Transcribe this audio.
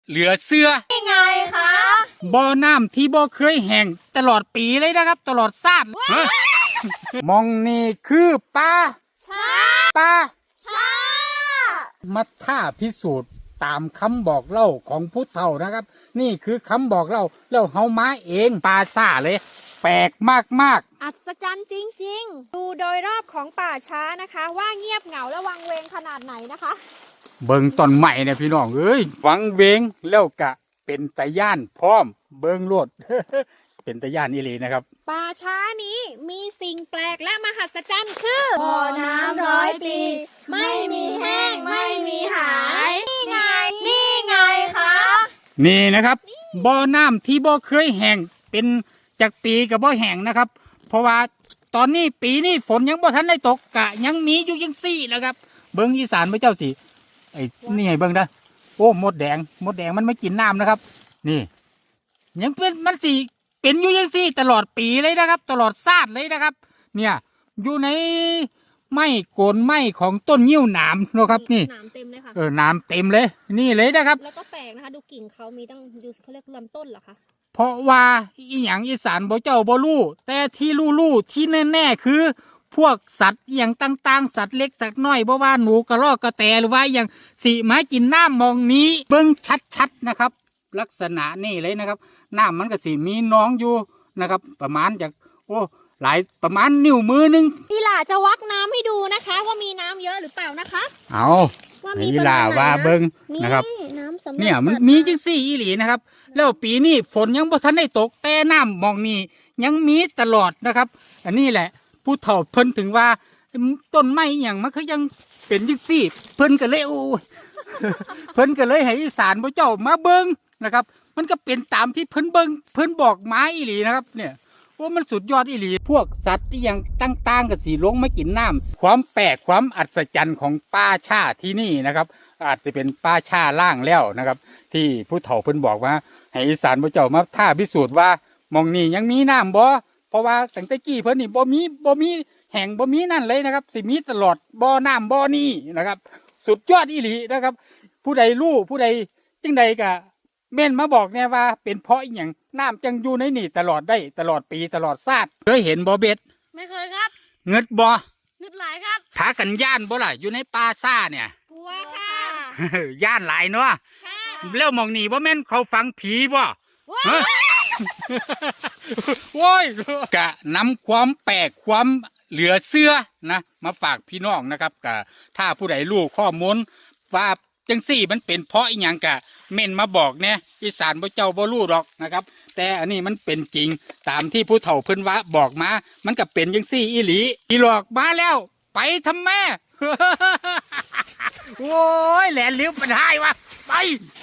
เหลือเสื้อยังไงคะบ่อน้ำที่บ่เคยแห้งตลอดปีเลยนะครับตลอดชาติมองนี่คือปลาปลามาท่าพิสูจน์ตามคำบอกเล่าของผู้เฒ่านะครับนี่คือคำบอกเล่าแล้วเฮามาเองปลาซ่าเลยแปลกมากอัศจรรย์จริงๆดูโดยรอบของป่าช้านะคะว่าเงียบเหงาและวังเวงขนาดไหนนะคะเบิ่งตอนใหม่เนี่ยพี่น้องเอ้ยวังเวงแล้วกะเป็นตะย่านพร้อมเบิ่งโลด เป็นตะย่านอีหลีนะครับป่าช้านี้มีสิ่งแปลกและมหัศจรรย์คือบ่อน้ำ100 ปีไม่มีแห้งไม่มีหายนี่ไงคะนี่นะครับบ่อน้ำที่บ่เคยแห้งเป็นจากปีกับบ่แห้งนะครับเพราะว่าตอนนี้ปีนี้ฝนยังบ่ทันได้ตกกะยังมีอยู่ยังซี่แล้วครับเบิ่งอีสานพระเจ้าสิไอ้นี่ไงเบิ่งนะโอ้มดแดงมันไม่กินน้ำนะครับนี่ยังเป็นมันสิเป็นอยู่ยังซี่ตลอดปีเลยนะครับตลอดชาติเลยนะครับเนี่ยอยู่ในไม้โกนไม้ของต้นยิ้วหนามนะครับนี่หนามเต็มเลยค่ะหนามเต็มเลยนี่เลยนะครับแล้วก็แปลกนะคะดูกิ่งเขามีตั้งดูเขาเรียกลำต้นเหรอคะเพราะว่าอีหยังอีสานบ่เจ้าบ่รู้แต่ที่รู้ที่แน่ๆคือพวกสัตว์อย่างต่างๆสัตว์เล็กสัตว์น้อยบ่ว่าหนูกระรอกกระแตหรือว่าอย่างสิมากินน้ำมองนี้เบิ่งชัดๆนะครับลักษณะนี่เลยนะครับน้ำมันก็สิมีน้องอยู่นะครับประมาณจากหลายประมาณนิ้วมือนึงพี่หล่าจะวักน้ำให้ดูนะคะว่ามีน้ำเยอะหรือเปล่านะคะเอาพี่หล่าว่าเบิ่งนะครับเนี่ยมันมีจังซี่อีหลีนะครับแล้วปีนี้ฝนยังบ่ทันได้ตกแต่น้ำมองนี้ยังมีตลอดนะครับอันนี้แหละผู้เฒ่าเพิ่นถึงว่าต้นไม้อย่างมันก็ยังเป็นจังซี่เพิ่นก็เลยเพิ่นก็เลยให้อีสานพระเจ้ามาเบิ่งนะครับมันก็เป็นตามที่เพิ่นบอกมาอีหลีนะครับเนี่ยว่ามันสุดยอดอีหลีพวกสัตว์ที่ยังต่างๆกับสีลงมากินน้ำความแปลกความอัศจรรย์ของป่าชาที่นี่นะครับอาจจะเป็นป่าชาล่างแล้วนะครับที่ผู้เฒ่าเพิ่นบอกว่าให้อีสานพระเจ้ามาท่าพิสูจน์ว่ามองนี่ยังมีน้ำบ่เพราะว่าตั้งแต่กี้เพิ่นนี่บ่มีแห่งบ่มีนั่นเลยนะครับสิมีตลอดบ่อน้ำบ่อนี้นะครับสุดยอดอีหลีนะครับผู้ใดรู้ผู้ใดจังใดก็เม่นมาบอกเนี่ยว่าเป็นเพราะอย่างน้ำจังอยู่ในนี่ตลอดได้ตลอดปีตลอดชาติเคยเห็นบ่เบ็ดไม่เคยครับเงิดบ่เงิดหลายครับขากันย่านบ่ล่ะอยู่ในป่าซ่าเนี่ยกลัวค่ะย่านหลายเนาะแล้วมองนี่บ่แม่นเขาฟังผีบ่โว้ยกะนำความแปลกความเหลือเสื้อนะมาฝากพี่น้องนะครับกะถ้าผู้ใดรู้ข้อมูลว่าจังซี่มันเป็นเพราะอีหยังกะเม่นมาบอกเนี่ยอีสานบ่เจ้าบ่รู้หรอกนะครับแต่อันนี้มันเป็นจริงตามที่ผู้เฒ่าเพิ่นว่าบอกมามันก็เป็นจังซี่อีหลีอีหลอกมาแล้วไปทำแม่ โอ้ยแหลนลิ้วเป็นไห้วะไป